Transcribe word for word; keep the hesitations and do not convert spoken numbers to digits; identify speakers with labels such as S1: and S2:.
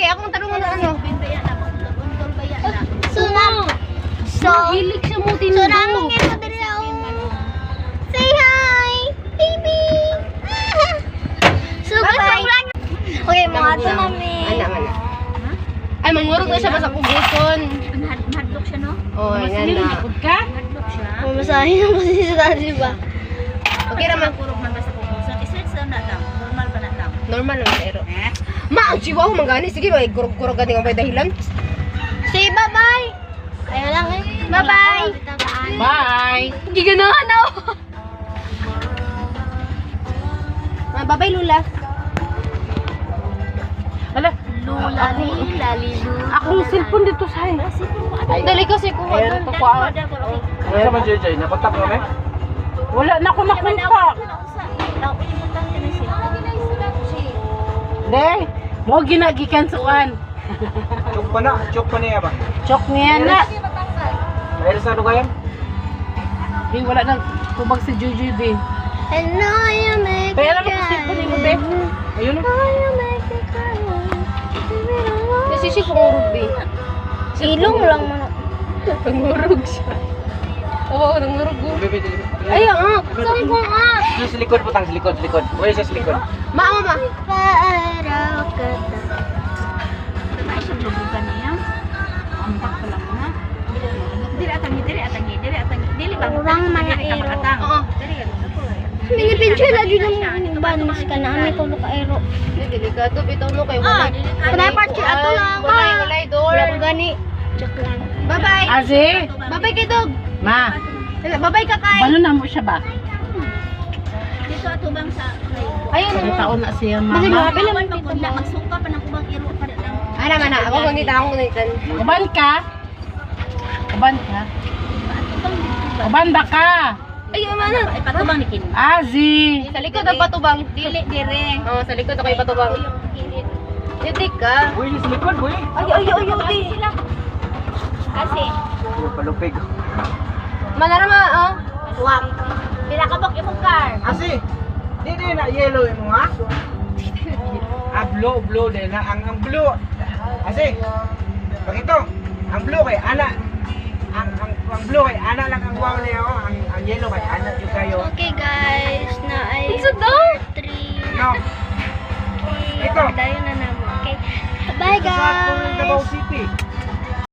S1: Okay, akong tanong ano ano.
S2: So, na, so,
S1: Hilig siya mo tinudo.
S2: so, namang ito din ako. Say hi, baby. So, bye-bye. Okay, mga ito, mami.
S1: Ana, ana. Ay, mangurog na siya basta kuguton.
S3: Mahadlok siya, no?
S1: Oh, yan na.
S3: Ka? Mahadlok siya.
S2: Mamasahin ako kasi sa tali ba?
S1: Okay naman.
S3: Kurog man basta kugusan. Stretch daw na lang. Normal ba na lang?
S1: Normal lang pero.
S3: Eh?
S1: Ma, ang chihuahua mangani. Sige, may kurog-kurog ka din ang may dahilan.
S2: Say bye-bye. Kaya lang eh. Bye-bye.
S1: Bye! Hindi ganahan ako. Ah, bye-bye, Lula.
S3: Hala.
S2: Lula, lila, lilu.
S1: Akong cellphone dito sa Ay, dali kasi kuha doon. Kuha.
S4: Ano naman, J J? Nakontak mo, eh?
S1: Wala na ako nakontak. Hindi. Mo ginagikan suan.
S4: Chok pa na. Chok pa niya ba?
S1: Chok niya na.
S4: Dahil sa ano kayo?
S1: Di, wala nang tubag si Juju, di.
S2: And now you make
S1: Kaya
S2: it
S1: naman kasi cellphone mo, be. Ayun na.
S2: Now you make it cry.
S1: Kasi si Kungurog, be.
S2: Ilong lang mo na.
S1: Nangurog siya. Oo, nangurog.
S4: Bebe, dili.
S1: Ay, ah. Saan ko ah?
S4: Sa sa likod, putang sa likod, sa likod. Uy, sa likod.
S1: Ma, ma, ma.
S2: Paaraw ka na.
S3: Ay, siya lubugan niya. Ampak pa lang na. Dili atangi, dili atangi, dili atangi. Dili ba?
S2: Kurang mga
S3: Dili ka
S2: ero.
S3: makatang.
S1: Oo.
S3: Dili ka
S2: Pinipicture lagi ng banis ka na. Ano ko ka ero.
S1: Hindi, delikado. Bitaw no kay
S3: Ah,
S1: wala.
S3: delikado.
S2: Kunay party ato lang ka.
S1: Walay, walay, door.
S2: Wala ko gani. Joke lang.
S1: Bye-bye.
S5: Azi,
S1: Bye-bye kay Dog.
S5: ma,
S1: Bye-bye ka kay.
S5: balo na mo siya ba?
S3: Dito ato bang sa
S1: Ayun
S5: Ilang
S1: na.
S5: taon na siya,
S2: Kasi
S5: mama.
S2: mga bilang
S3: Awan magpudla, magsuka pa ng kubang iro pa lang.
S1: Ana man na. Ako ngunit ako ngunit.
S5: Uban ka? Uban ka? Uban ba ka?
S1: Ay, man na.
S3: Ay patubang ni Kin.
S5: Azi,
S1: Sa likod ang patubang.
S3: Dili dire.
S1: Oo, sa likod ako yung patubang. Dito ka.
S4: Uy, sa likod, uy.
S1: Ay, ay, ay, ay.
S3: Kasi
S4: Uy, palupig.
S1: Manarama, oh.
S3: wag. Pila ka bok imong car.
S4: Asi, di di na yellow mo, ha? Ah, blue, blue din na. Ang, ang blue. Asi, pag ito, ang blue kay ana. Ang, ang, ang blue kay ana lang ang wow niya, oh. Ang, ang yellow kay ana yung kayo.
S2: Okay guys, na ay
S1: It's a dog.
S2: three.
S4: No.
S2: Okay,
S4: Ito.
S2: tayo na naman. Okay. Bye
S4: Sa Davao
S2: guys.
S4: City.